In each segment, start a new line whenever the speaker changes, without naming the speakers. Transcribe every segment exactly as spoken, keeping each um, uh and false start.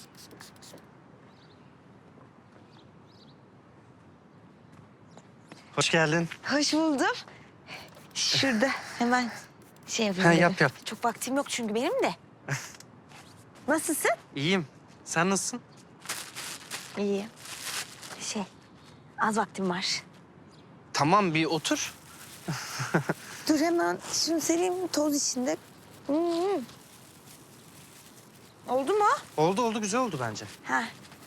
Hoş geldin.
Hoş buldum. Şurada hemen şey yapayım.
Ha,
dedim.
yap, yap.
Çok vaktim yok çünkü benim de. Nasılsın?
İyiyim. Sen nasılsın?
İyi. Şey, az vaktim var.
Tamam, bir otur.
Dur hemen şunu sereyim toz içinde. Hmm. Oldu mu?
Oldu oldu, güzel oldu bence.
Ha,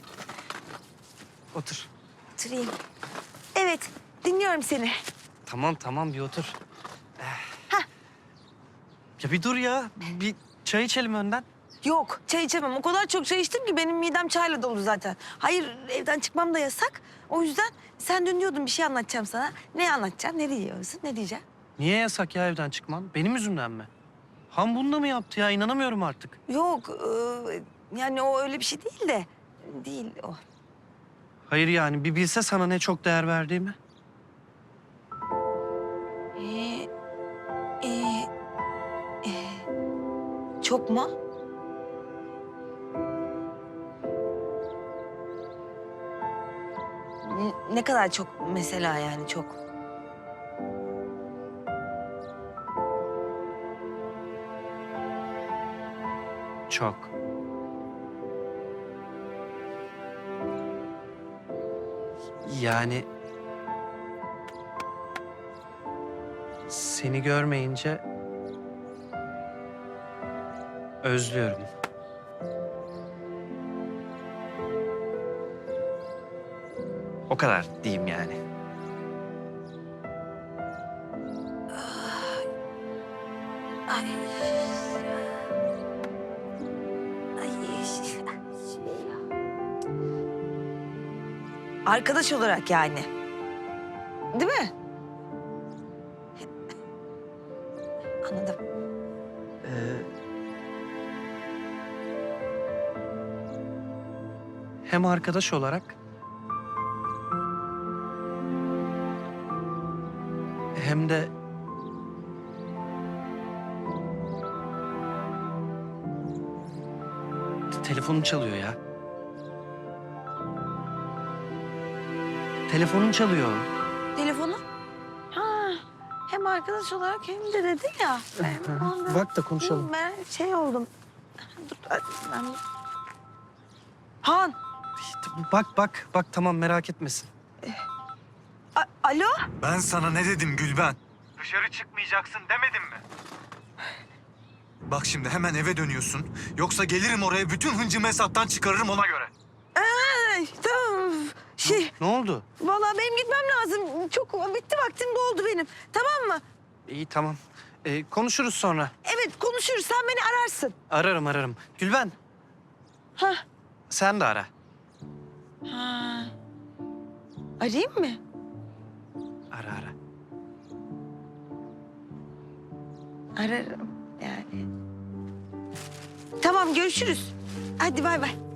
Otur.
oturayım. Evet, dinliyorum seni.
Tamam tamam, bir otur.
Hah.
Ya bir dur ya. Bir çay içelim önden.
Yok, çay içemem. O kadar çok çay içtim ki benim midem çayla dolu zaten. Hayır, evden çıkmam da yasak. O yüzden sen dün diyordun bir şey anlatacağım sana. Ne anlatacaksın, ne diyeceksin, ne diyeceksin?
Niye yasak ya evden çıkman? Benim yüzümden mi? Han bunu da mı yaptı ya? İnanamıyorum artık.
Yok, e, yani o öyle bir şey değil de. Değil o.
Hayır yani, bir bilse sana ne çok değer verdiğimi.
Ee, e, e, çok mu? N- Ne kadar çok mesela yani çok?
Çok. Yani... Seni görmeyince... Özlüyorum. O kadar diyeyim yani.
Ay. Ay. Şey. Arkadaş olarak yani. Değil mi? Anladım.
Ee, hem arkadaş olarak... hem de... Telefonun çalıyor ya. Telefonun çalıyor.
Telefonu? Ha, hem arkadaş olarak hem de dedi ya. Ben ondan-
Bak da konuşalım.
Ben şey oldum. Dur, ben... Han,
Bak bak bak, tamam, merak etmesin.
a- alo?
Ben sana ne dedim Gülben?
Dışarı çıkmayacaksın demedim mi?
Bak şimdi hemen eve dönüyorsun. Yoksa gelirim oraya bütün hıncımı hesaptan çıkarırım ona göre.
Ay, tamam. Şey,
Ne oldu?
vallahi benim gitmem lazım. Çok bitti vaktim doldu benim. Tamam mı?
İyi, tamam. Ee, konuşuruz sonra.
Evet, konuşuruz. Sen beni ararsın.
Ararım ararım. Gülben,
Ha.
sen de ara.
Ha. Arayayım mı?
Ara ara.
Ararım yani. Tamam, görüşürüz. Hadi bay bay.